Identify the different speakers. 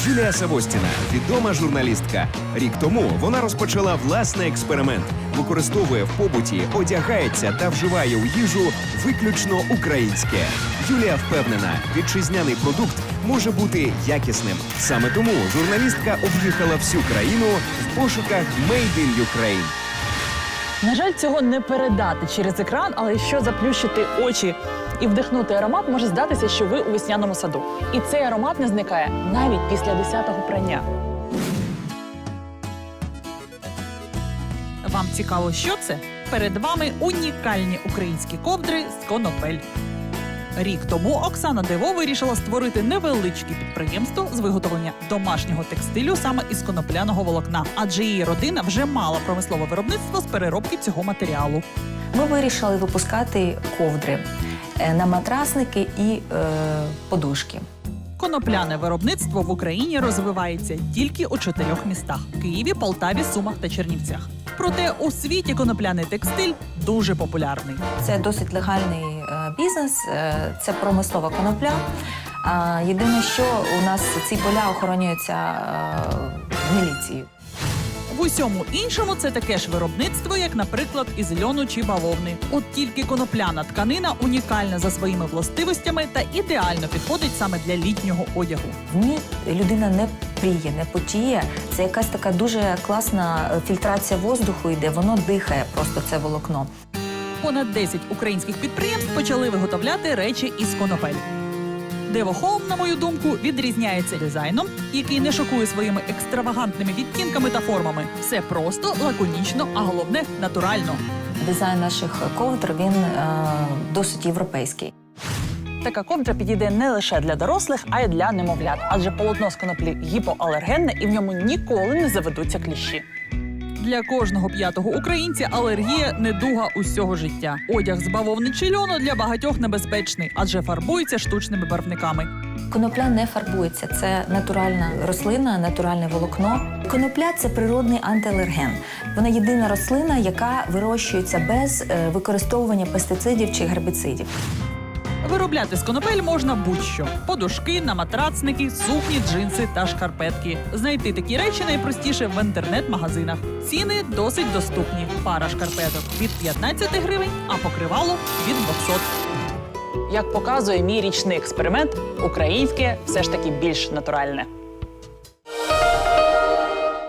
Speaker 1: Юлія Савостіна – відома журналістка. Рік тому вона розпочала власний експеримент. Використовує в побуті, одягається та вживає у їжу виключно українське. Юлія впевнена, вітчизняний продукт може бути якісним. Саме тому журналістка об'їхала всю країну в пошуках «Made in Ukraine».
Speaker 2: На жаль, цього не передати через екран, але якщо заплющити очі і вдихнути аромат, може здатися, що ви у весняному саду. І цей аромат не зникає навіть після 10-го прання. Вам цікаво, що це? Перед вами унікальні українські ковдри з конопель. Рік тому Оксана Дево вирішила створити невеличке підприємство з виготовлення домашнього текстилю саме із конопляного волокна, адже її родина вже мала промислове виробництво з переробки цього матеріалу.
Speaker 3: Ми вирішили випускати ковдри на матрасники і подушки.
Speaker 2: Конопляне виробництво в Україні розвивається тільки у 4 містах – Києві, Полтаві, Сумах та Чернівцях. Проте у світі конопляний текстиль дуже популярний.
Speaker 3: Це досить легальний бізнес, це промислова конопля. Єдине, що у нас ці поля охоронюються міліцією.
Speaker 2: В усьому іншому це таке ж виробництво, як, наприклад, із льону чи бавовни. От тільки конопляна тканина унікальна за своїми властивостями та ідеально підходить саме для літнього одягу.
Speaker 3: В ній людина не пріє, не потіє. Це якась така дуже класна фільтрація воздуху йде, воно дихає просто це волокно.
Speaker 2: Понад 10 українських підприємств почали виготовляти речі із конопель. Дево Хоум, на мою думку, відрізняється дизайном, який не шокує своїми екстравагантними відтінками та формами. Все просто, лаконічно, а головне – натурально.
Speaker 3: Дизайн наших ковдр, він досить європейський.
Speaker 2: Така ковдра підійде не лише для дорослих, а й для немовлят. Адже полотно з коноплі гіпоалергенне і в ньому ніколи не заведуться кліщі. Для кожного 5-го українця алергія – недуга усього життя. Одяг з бавовни чи льону для багатьох небезпечний, адже фарбується штучними барвниками.
Speaker 3: Конопля не фарбується, це натуральна рослина, натуральне волокно. Конопля – це природний антиалерген. Вона єдина рослина, яка вирощується без використовування пестицидів чи гербіцидів.
Speaker 2: Виробляти з конопель можна будь-що – подушки, наматрацники, сукні, джинси та шкарпетки. Знайти такі речі найпростіше в інтернет-магазинах. Ціни досить доступні. Пара шкарпеток – від 15 гривень, а покривало – від 200. Як показує мій річний експеримент, українське все ж таки більш натуральне.